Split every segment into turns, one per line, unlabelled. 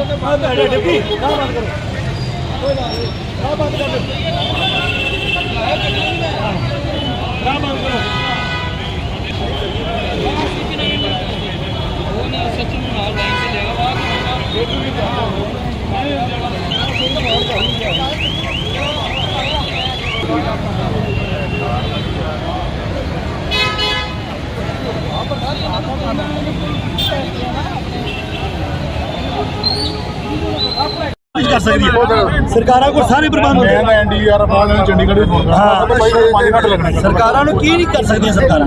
कर सकती है सरकारों को सारे प्रबंध
चंडीगढ़
सरकारों ने की नहीं कर सकती सरकार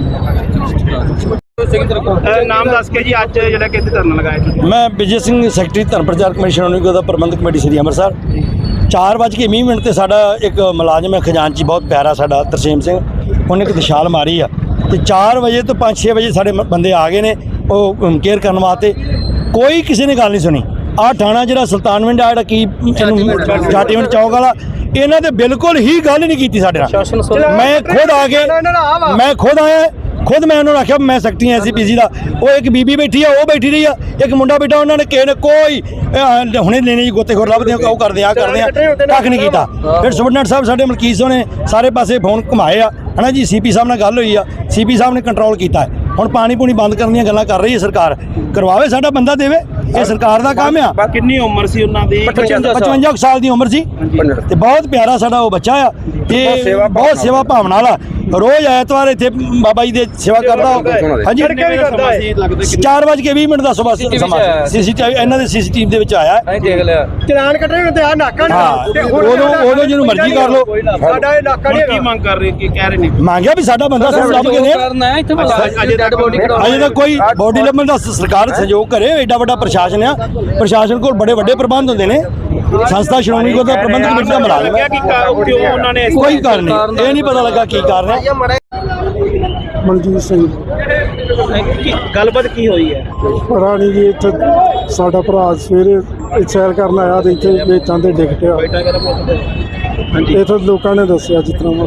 नाम दस के जी अज जो कि धरना लगाया
मैं विजय सिंह सैकटरी धर्म प्रचार कमेटी श्रोमणी प्रबंधक कमेटी श्री अंमृतसर 4:20 ते साडा एक मुलाजम है खजानची बहुत प्यारा साडा तरसेम सिंह उन्हें एक दिशाल मारी आ तो 4 बजे तो 5-6 बजे साढ़े बंदे आ गए ने वो केयर करने वास्ते कोई किसी ने गल नहीं सुनी आ थाना जो सुल्तानविंड आ की जाटीविंड चौक वाला इन्हों ने बिल्कुल ही गल नहीं की साढ़े नाल मैं खुद आ गए मैं खुद आया खुद मैं उन्होंने आख्या मैं सैकटरी SCPC का वो एक बीबी बैठी है वो बैठी रही है एक मुंडा बैठा उन्होंने किसी ने कोई हुणे लेने जी गोतेखोर लभदे वो करते आ करते कख नहीं किया फिर सुपरडेंट साहब साढ़े मलकीत सिंह ने सारे पासे फोन घुमाए है ना जी CP साहब नाल गल हुई आ CP साहब ने कंट्रोल किया है हुण पानी पूनी बंद करने दी गल्लां कर रही है सरकार करवावे साडा बंदा देवे ये सरकार का काम आ
कितनी उम्र सी उन्हां दी
55 साल की उम्र सी ते बहुत प्यारा साडा वो बच्चा आ ते बहुत सेवा भावना वाला रोज़ ऐतवार इत्थे बाबा जी दे सेवा करदा हां जी 4:20 दा सुबह समा CCTV इन्हां दे CCTV दे विच आया है
देख लिया
चलान कटणे ते आ नाका
नहीं ओदों जिन्नू मर्जी कर लो
साडा ये नाका नहीं की मंग कर रहे की कह रहे नहीं
मांगया भी साडा बंदा सब लभ के
करना है इत्थे डेड बॉडी
अजे तक कोई बॉडी लभण दा सरकार सहयोग करे एडा वड्डा प्रशासन है प्रशासन को बड़े बड़े प्रबंध होंदे ने संस्था श्रोमणी को प्रबंधक कमेटी का मुलाजम है कोई कारण नहीं ये नहीं पता लगा की कारण है
ਮਨਜੀਤ ਸਿੰਘ
गलबात की हुई है
ਰਾਣੀ ਜੀ ਇੱਥੇ ਸਾਡਾ ਭਰਾ ਸਵੇਰੇ ਸੈਰ ਕਰਨ ਆਇਆ ਤੇ ਇੱਥੇ ਵੇਚਾਂ ਤੇ ਡਿੱਗ ਪਿਆ ਇੱਥੇ ਲੋਕਾਂ ਨੇ ਦੱਸਿਆ ਜਿਸ ਤਰ੍ਹਾਂ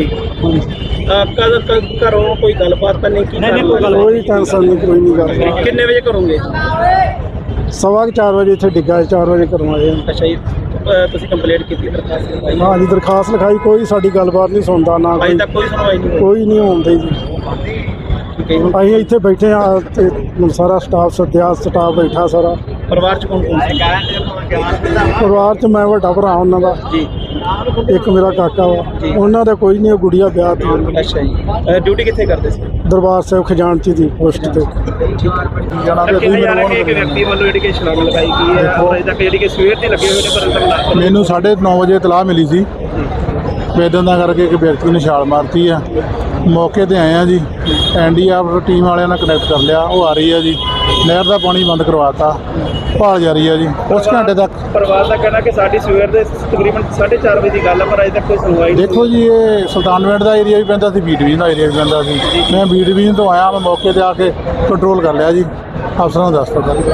घरों कोई गलबात नहीं की
ਕੋਈ ਟੈਨਸ਼ਨ ਨਹੀਂ ਕੋਈ ਨਹੀਂ ਗੱਲ
कितने बजे करोगे
4:15 ਵਜੇ ਇੱਥੇ ਡਿੱਗਾ 4 ਵਜੇ ਕਰਵਾਏ
अच्छा जी ਤੁਸੀਂ ਕੰਪਲੇਂਟ ਕੀਤੀ ਦਰਖਾਸਤ ਲਗਾਈ
ਹਾਂ ਜੀ ਦਰਖਾਸਤ ਲਿਖਾਈ ਕੋਈ ਸਾਡੀ ਗੱਲਬਾਤ ਨਹੀਂ ਸੁਣਦਾ ਨਾ
ਅਜੇ ਤੱਕ ਕੋਈ ਸੁਣਵਾਈ ਨਹੀਂ ਹੋਈ
ਕੋਈ ਨਹੀਂ ਹੁੰਦੀ ਜੀ ਅਸੀਂ ਇੱਥੇ ਬੈਠੇ ਆ ਤੇ ਸਾਰਾ ਸਟਾਫ ਸੱਦਿਆ ਸਟਾਫ ਬੈਠਾ ਸਾਰਾ
ਪਰਿਵਾਰ ਚ ਕੌਣ ਕੌਣ ਸੀ
ਪਰਿਵਾਰ ਚ ਮੈਂ ਵੱਡਾ ਭਰਾ ਉਹਨਾਂ ਦਾ
ਜੀ
ਇੱਕ ਮੇਰਾ ਕਾਕਾ ਵਾ ਉਹਨਾਂ ਦਾ ਕੋਈ ਨਹੀਂ ਗੁੜੀਆ ਵਿਆਹ ਤੇ
ਅੱਛਾ ਜੀ ਡਿਊਟੀ ਕਿੱਥੇ ਕਰਦੇ ਸੀ
ਦਰਬਾਰ ਸਾਹਿਬ ਖਜ਼ਾਨਚੀ ਦੀ ਪੋਸਟ ਤੇ
ਜਾਣਾ ਤੇ ਇੱਕ ਵਿਅਕਤੀ ਵੱਲੋਂ ਜਿਹੜੀ ਕਿ ਛਲਾਂਗ ਲਗਾਈ ਗਈ ਹੈ ਔਰ ਅਜੇ ਤੱਕ ਜਿਹੜੀ ਕਿ ਸਵੇਰ ਦੇ ਲੱਗੇ ਹੋਏ ਨੇ ਪਰ ਅੰਤਰ
ਮੈਨੂੰ 9:30 ਵਜੇ ਇਤਲਾਹ ਮਿਲੀ ਸੀ ਵੇਦਨ ਦਾ ਕਰਕੇ ਇੱਕ ਵਿਅਕਤੀ ਨੇ ਛਾਲ ਮਾਰਤੀ ਆ ਮੌਕੇ ਤੇ ਆਏ ਆ ਜੀ NDRF ਟੀਮ ਵਾਲਿਆਂ ਨਾਲ ਕਨੈਕਟ ਕਰ ਲਿਆ ਉਹ ਆ ਰਹੀ ਆ ਜੀ ਨਹਿਰ ਦਾ ਪਾਣੀ ਬੰਦ ਕਰਵਾਤਾ ਭਾਲ ਜਾਰੀ ਆ ਜੀ ਉਸ ਘੰਟੇ ਤੱਕ
ਪਰਿਵਾਰ ਦਾ ਕਹਿਣਾ ਕਿ ਸਾਡੀ ਸਵੇਰ ਦੇ ਤਕਰੀਬਨ 4:30 ਵਜੇ ਦੀ ਗੱਲ ਹੈ ਪਰ ਅਜੇ ਤੱਕ ਕੋਈ ਸੁਣਵਾਈ ਨਹੀਂ
ਦੇਖੋ ਜੀ ਇਹ ਸੁਲਤਾਨਵਿੰਡ ਦਾ ਏਰੀਆ ਵੀ ਪੈਂਦਾ ਸੀ B ਡਿਵੀਜ਼ਨ ਦਾ ਏਰੀਆ ਵੀ ਪੈਂਦਾ ਸੀ ਮੈਂ B ਡਿਵੀਜ਼ਨ ਤੋਂ ਆਇਆ ਮੈਂ ਮੌਕੇ ਤੇ ਆ ਕੇ ਕੰਟਰੋਲ ਕਰ ਲਿਆ ਜੀ ਅਫਸਰਾਂ ਨੂੰ ਦੱਸ ਦਿੱਤਾ